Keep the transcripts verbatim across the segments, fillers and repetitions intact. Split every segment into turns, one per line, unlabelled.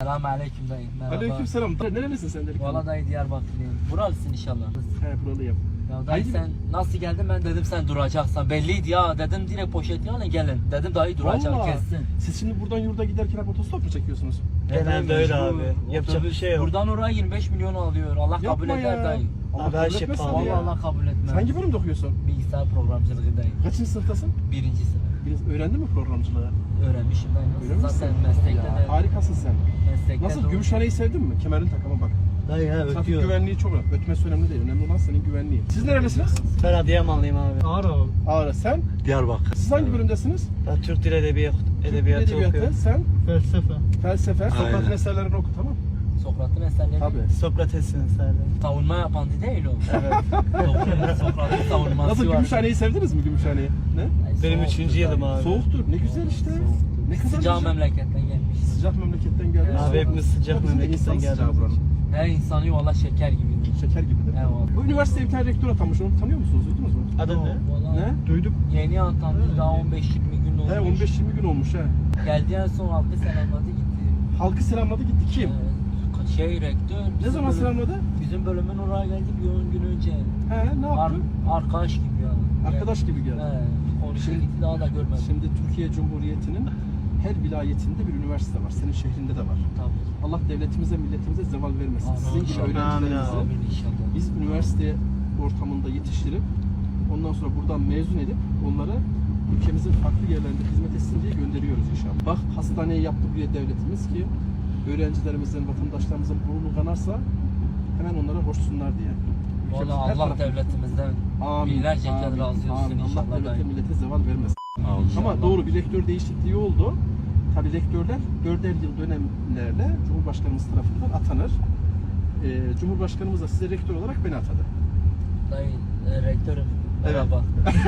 Selam aleyküm dayı. Merhaba.
Aleykümselam. Nerelisin sen dedik?
Valla dayı Diyarbakırlıyım. Buralısın inşallah.
He, buralıyım.
Ya dayı
Haydi
sen nasıl geldin, ben dedim sen duracaksan. Belliydi ya, dedim direkt poşeti alın gelin. Dedim dayı duracak
Vallahi.
kessin.
Siz şimdi buradan yurda giderken hep otostop mu çekiyorsunuz?
Genelde öyle
Mecbur.
abi. Yapacak bir şey yok.
Buradan oraya yirmi beş milyon alıyor. Allah kabul
Yapma
eder
ya.
dayı.
Allah
Abi her
kabul
şey
etmesin
pahalı
Vallahi
ya.
Allah kabul etmez.
Sen hangi bölümde okuyorsun?
Bilgisayar programcılığı dayı.
Kaçıncı sınıftasın?
Birinci sınıf.
Biraz öğrendin mi programcılığı?
Öğrenmişim dayı.
Öyle
Nasıl? Zaten
misin?
meslekte
Ya,
de.
harikasın sen.
Meslekte
Nasıl?
de-
Gümüşhane'yi sevdin mi? Kemerin takama bak.
Dayı ha
Trafik
ötüyor.
güvenliği çok önemli. Ötmesi önemli değil. Önemli olan senin güvenliğin. Siz nerelisiniz?
Ben Adıyamanlıyım abi.
Ağrı.
Ağrı. Sen?
Diyarbakır.
Siz hangi bölümdesiniz?
Ben Türk Dil Edebiyatı, edebiyatı
Edebiyatı.
okuyorum.
Sen?
Felsefe.
Felsefe. Sokrat'ın
Aynen.
eserlerini oku, tamam?
Sokrat'ın eserleri.
Tabii.
Sokrates'in eserleri.
Savunma yapan değil o.
Evet.
Sokrat'ın Sokrat'ın savunması
Nasıl,
var.
Gümüşhane'yi sevdiniz mi, Gümüşhane'yi? Ne?
Ay,
Benim
soğuktur
üçüncü
dayı.
yılım abi.
Soğuktur. Ne güzel işte.
Soğuktur.
Ne kadar
Sıcağı
güzel.
memleketten gelmiş.
Sıcak memleketten geldi.
Evet.
Abi hepimiz sıcak
Bizim de
memleketten
insan sıcağı
geldik.
buranın.
Her insanı valla şeker gibidir.
Şeker gibidir.
Eyvallah.
Bu üniversiteye bir tane rektör atanmış. Onu tanıyor musunuz? Duydunuz mu?
Adın ne?
Vallahi
Ne?
Duydum.
Yeni atandı, daha on beş yirmi gün olmuş.
He, on beş yirmi gün olmuş he.
Geldi en son halkı selamladı gitti.
Halkı selamladı gitti. Kim?
Ee, şey rektör.
Ne
bizim
zaman
bölüm-
selamladı?
Bizim bölümün oraya geldi bir on gün önce.
He, ne
Ar
yaptı?
arkadaş gibi ya.
Arkadaş gibi geldi.
He, konuştu
Şimdi-
gitti, daha da görmedim.
Şimdi Türkiye Cumhuriyeti'nin her vilayetinde bir üniversite var. Senin şehrinde de var.
Tabii.
Allah devletimize, milletimize zeval vermesin.
Amin.
Sizin gibi
Amin.
öğrencilerinizi
Amin inşallah.
biz üniversite ortamında yetiştirip ondan sonra buradan mezun edip onları ülkemizin farklı yerlerinde hizmet etsin diye gönderiyoruz inşallah. Bak, hastaneyi yaptı buraya devletimiz ki öğrencilerimizin, vatandaşlarımızın burnu kanarsa hemen onlara hoşsunlar diye. Ülkemizin
Valla
her
Allah
tarafı-
devletimizden
Amin,
binlerce kez
amin,
razı olsun
amin. Allah
inşallah
devlete,
dayı.
millete zeval vermesin.
İnşallah.
Ama doğru, bir rektör değişikliği oldu. Tabii rektörler dörder yıl dönemlerle Cumhurbaşkanımız tarafından atanır. Ee, Cumhurbaşkanımız da size rektör olarak beni atadı.
Dayı, e, rektörüm.
Evet.
Merhaba.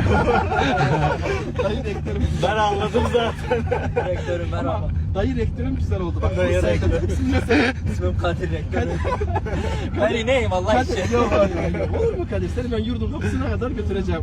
Dayı rektörüm.
Ben anladım zaten.
Rektörüm
Ama
merhaba.
dayı rektörüm güzel oldu. Bak,
Dayı
bu sayede-
rektör.
İsmin ne senin?
İsmim Kadir rektörüm. Ben ineyim Allah
Kadir.
için.
Yok, hayır, hayır. Olur mu Kadir? Seni ben yurdun kapısına kadar götüreceğim.